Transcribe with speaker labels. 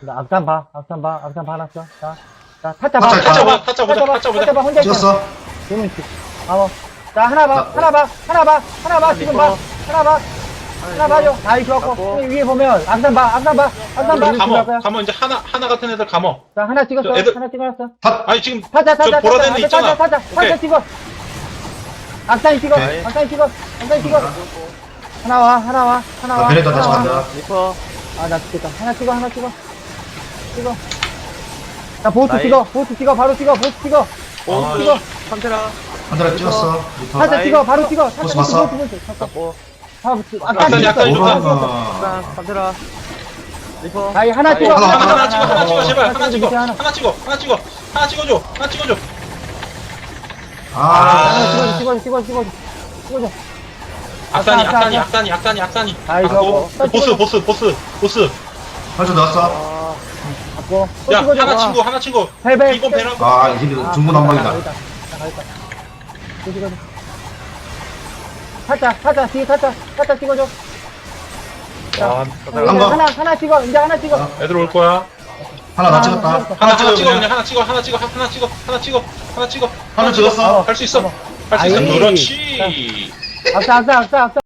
Speaker 1: 나 앞산 봐, 앞산 봐, 앞산 봐놨어. 자, 타짜 봐,
Speaker 2: 타짜
Speaker 3: 타짜 봐, 타짜 보자, 타짜 보자.
Speaker 1: 타짜 봐, 혼자 있어.
Speaker 2: 찍었어.
Speaker 1: 그러면 자, 하나 봐,
Speaker 2: 나-
Speaker 1: 하나 봐, 하나 봐, 하나 봐, 지금 봐, 하나 봐, 하나 봐줘. 다 이렇게 갖고, 위에 보면, 앞산 봐, 앞산 봐, 앞산 봐.
Speaker 3: 감어, 이제 하나 같은 애들 감어.
Speaker 1: 자, 하나 찍었어,
Speaker 3: 저 애들-
Speaker 1: 하나 찍어놨어.
Speaker 3: 아니, 지금,
Speaker 1: 타짜,
Speaker 3: 저 보라된 애 있잖아.
Speaker 1: 타짜
Speaker 3: 오케이.
Speaker 1: 찍어. 앞산이 찍어,
Speaker 2: 오케이.
Speaker 1: 앞산이 찍어, 앞산이 찍어. 하나 와, 하나 와, 하나 와.
Speaker 2: 나 베레타 다시
Speaker 1: 하나 와.
Speaker 2: 간다.
Speaker 4: 리퍼.
Speaker 1: 아, 나 죽겠다. 하나 찍어, 하나 찍어. 찍어. 자, 보스
Speaker 4: 나이.
Speaker 1: 찍어, 보스 찍어, 바로 찍어, 보스 찍어.
Speaker 3: 아,
Speaker 1: 찍어.
Speaker 4: 판테라.
Speaker 2: 한대라 찍었어. 리터.
Speaker 1: 타짜
Speaker 4: 나이.
Speaker 1: 찍어, 바로 찍어.
Speaker 2: 보스 봤어?
Speaker 1: 보스.
Speaker 4: 잡고.
Speaker 3: 앞산이, 앞산이 좋다.
Speaker 4: 약간 판테라. 리퍼.
Speaker 1: 아이, 하나 찍어.
Speaker 3: 하나 찍어, 하나 찍어, 제발. 하나
Speaker 1: 찍어,
Speaker 3: 찍어.
Speaker 1: 하나.
Speaker 3: 하나 찍어, 하나 찍어. 하나 찍어줘, 하나 찍어줘.
Speaker 2: 아.
Speaker 1: 하나 찍어줘.
Speaker 3: 악산이.
Speaker 1: 아이, 저거.
Speaker 3: 보스.
Speaker 2: 한줄 넣었어.
Speaker 4: 아,
Speaker 1: 갖고.
Speaker 3: 야, 하나 친구.
Speaker 1: 헬베.
Speaker 3: 이번 배라고.
Speaker 2: 아, 이 힘이 중구 난방이다.
Speaker 1: 찍어줘. 타짜, 뒤에 타짜 찍어줘.
Speaker 3: 와,
Speaker 2: 한 거.
Speaker 1: 하나 찍어, 이제 하나 찍어.
Speaker 3: 애들 올 거야.
Speaker 2: 하나 나 찍었다.
Speaker 3: 하나 찍어,
Speaker 2: 그냥.
Speaker 3: 그냥 하나 찍어.
Speaker 2: 하나 찍었어.
Speaker 3: 할 수 있어. 할 수 있어.
Speaker 1: 아이.
Speaker 3: 그렇지.
Speaker 1: 앞서.